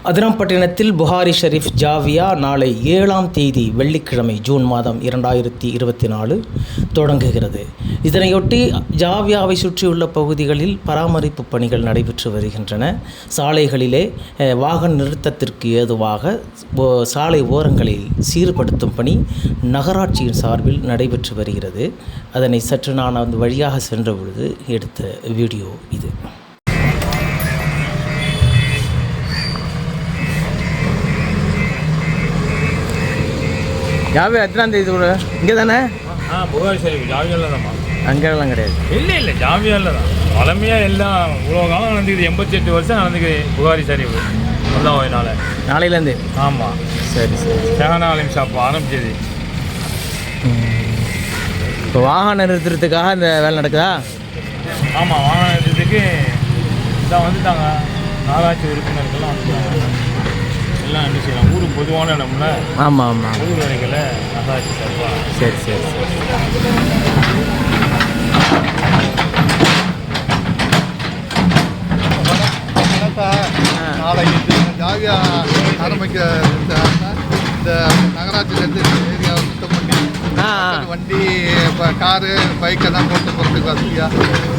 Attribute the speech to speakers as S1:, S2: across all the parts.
S1: அதிராம்பட்டினத்தில் புகாரி ஷெரீஃப் ஜாவியா நாளை 7ஆம் தேதி வெள்ளிக்கிழமை ஜூன் மாதம் 2024 தொடங்குகிறது. இதனையொட்டி ஜாவியாவை சுற்றியுள்ள பகுதிகளில் பராமரிப்பு பணிகள் நடைபெற்று வருகின்றன. சாலைகளிலே வாகன நிறுத்தத்திற்கு ஏதுவாக சாலை ஓரங்களில் சீர்படுத்தும் பணி நகராட்சியின் சார்பில் நடைபெற்று வருகிறது. அதனை சற்று நான் அந்த வழியாக சென்ற பொழுது எடுத்த வீடியோ இது. ஜாவியா எத்தனாம் தேதி கூட இங்கே தானே?
S2: புகாரி ஷெரீஃப் ஜாவியாவில் தான்மா.
S1: அங்கெல்லாம் கிடையாது.
S2: இல்லை ஜாவியாவில் தான் பழமையாக எல்லாம் இவ்வளோ காலம் நடந்துக்குது. 88 வருஷம் நடந்துக்குது புகாரி ஷெரீஃப். அதான்
S1: நாளையிலேருந்து.
S2: ஆமாம்.
S1: சரி.
S2: ஷஹானா அலிம் ஷாப் ஆரம்பிச்சது.
S1: இப்போ வாகனம் நிறுத்துறதுக்காக இந்த வேலை நடக்குதா?
S2: ஆமாம், வாகனம் நிறுத்தத்துக்கு இதான் வந்துட்டாங்க. நகராட்சி உறுப்பினர்கள்லாம் வந்துட்டாங்க. எல்லாம் என்ன செய்யலாம், ஊருக்கு பொதுவான இடம்ல.
S1: ஆமாம்.
S2: ஊர் வரைகளை நகராட்சி சார்பா.
S1: சரி.
S3: நாளைக்கு ஜாவியா ஆரம்பிக்க இந்த நகராட்சியிலேருந்து ஏரியாவை சுத்தம் பண்ணி வண்டி இப்போ காரு பைக்கெல்லாம் போட்டு போகிறதுக்கு வசதியாக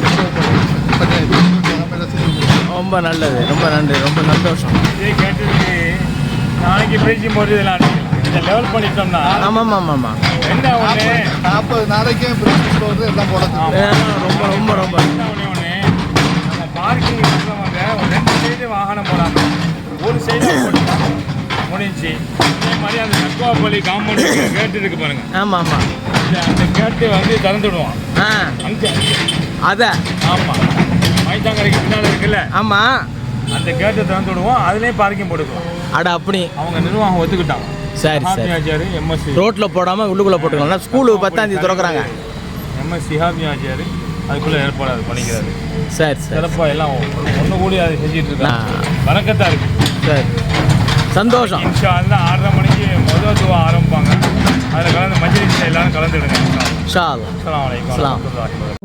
S1: ரொம்ப நல்லது. ரொம்ப நன்றி. ரொம்ப சந்தோஷம்.
S2: இதே கேட்டதுக்கு நாளைக்கு பேசி போகிறது இதெல்லாம் இந்த லெவல் பண்ணிட்டோம்னா.
S1: ஆமாம்.
S2: என்ன ஒன்று
S3: 40 நாளைக்கே பிரிட்ஜ் போகிறது எல்லாம் போடுறது
S1: ரொம்ப
S2: ஒன்று நம்ம பார்க்கிங் இருக்கிறவங்க ஒரு 2 சைடு வாகனம் போடாமல் ஒரு சைடு போட்டுட்டாங்க முடிஞ்சு. அதே மாதிரி அந்த தக்குவாப்பள்ளி காம்பவுண்ட் கேட்டு இருக்கு பாருங்க.
S1: ஆமாம்.
S2: அந்த கேட்டு வந்து திறந்துடுவான் அங்கே.
S1: அதை
S2: ஆமாம், மைத்தாங்கரைக்கு பின்னால் இருக்குல்ல.
S1: ஆமாம்,
S2: அந்த கேட்டை திறந்து விடுவோம். அதுலேயே பார்க்கிங் போட்டுக்குவோம்.
S1: அப்படி
S2: அவங்க நிர்வாகம் ஒத்துக்கிட்டாங்க.
S1: சரி.
S2: ஆச்சாரி எம்எஸ்சி
S1: ரோட்டில் போடாமல் உள்ளுக்குள்ளே போட்டுக்கலாம். ஸ்கூலு 10ஆம் தேதி திறக்கிறாங்க.
S2: எம்எஸ் சிஹாபி ஆச்சாரி அதுக்குள்ளே ஏற்பாடு அது பண்ணிக்கிறாரு.
S1: சரி.
S2: சிறப்பாக எல்லாம் ஒன்று கூடி அதை செஞ்சுட்டு இருக்காங்க. வணக்கத்தான் இருக்குது.
S1: சரி, சந்தோஷம்.
S2: இன்ஷா அல்லாஹ் 6:30 மணிக்கு முதல் துவா ஆரம்பிப்பாங்க. அதில் கலந்து மஜ்லிஸில் எல்லாரும் கலந்துடுங்க.
S1: இன்ஷா அல்லாஹ்.
S2: அஸ்ஸலாமு அலைக்கும்.